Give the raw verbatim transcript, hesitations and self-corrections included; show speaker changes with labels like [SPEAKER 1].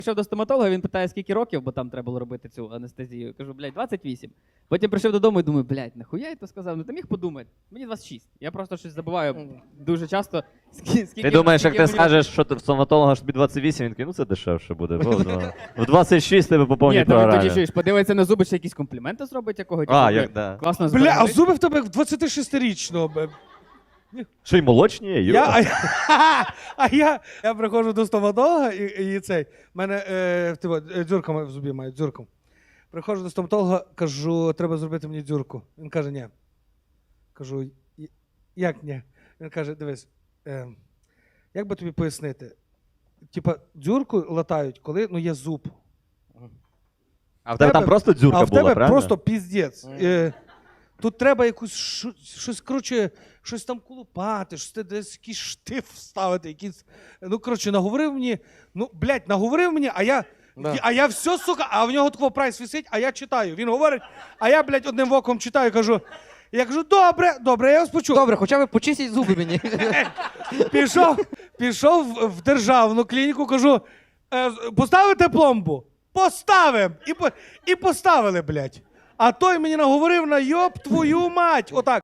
[SPEAKER 1] Прийшов до стоматолога, він питає, скільки років, бо там треба було робити цю анестезію. Я кажу, блядь, двадцять вісім. Потім прийшов додому і думаю, блядь, нахуя я то сказав? Ну ти міг подумати. Мені двадцять шість. Я просто щось забуваю дуже часто. Скільки,
[SPEAKER 2] Ти думаєш, як ти
[SPEAKER 1] мені...
[SPEAKER 2] скажеш, що ти в стоматолога ж тобі двадцять вісім, він такий, ну це дешевше буде. В двадцять шість тебе по повній
[SPEAKER 1] Ні, то він
[SPEAKER 2] програмі.
[SPEAKER 1] тоді чуєш, подивиться на зуби, ще якісь компліменти зробить якого.
[SPEAKER 2] А, як, да.
[SPEAKER 1] Класно
[SPEAKER 3] Бля, а
[SPEAKER 1] зберегли.
[SPEAKER 3] зуби в тебе як в двадцятишестирічного. бе.
[SPEAKER 2] Що й молочні є?
[SPEAKER 3] Я, а, я, а я, я приходжу до стоматолога і, і цей, в мене е, типу, е, дзюрка в зубі має, дзюрку. Приходжу до стоматолога, кажу, треба зробити мені дзюрку. Він каже, ні. Кажу, «І- як ні? Він каже, дивись, е, як би тобі пояснити? Типа, дзюрку латають, коли ну, є зуб.
[SPEAKER 2] А в тебе там просто дзюрка
[SPEAKER 3] а в
[SPEAKER 2] була,
[SPEAKER 3] тебе
[SPEAKER 2] правильно?
[SPEAKER 3] просто піздець. Е, тут треба якусь шу- щось, коротше, щось там колупати, щось ти десь якийсь штиф вставити, якийсь. Ну, коротше, наговорив мені, ну, блядь, наговорив мені, а я.
[SPEAKER 4] Да.
[SPEAKER 3] А я все, сука, а в нього такого прайс висить, а я читаю. Він говорить, а я, блядь, одним оком читаю, кажу. Я кажу, добре, добре, я вас почув.
[SPEAKER 4] Добре, хоча б почистіть зуби мені.
[SPEAKER 3] Пішов, пішов в- в державну клініку, кажу, «Е, поставите пломбу? Поставим! І, по- і поставили, блядь. А той мені наговорив на йоб твою мать. Отак.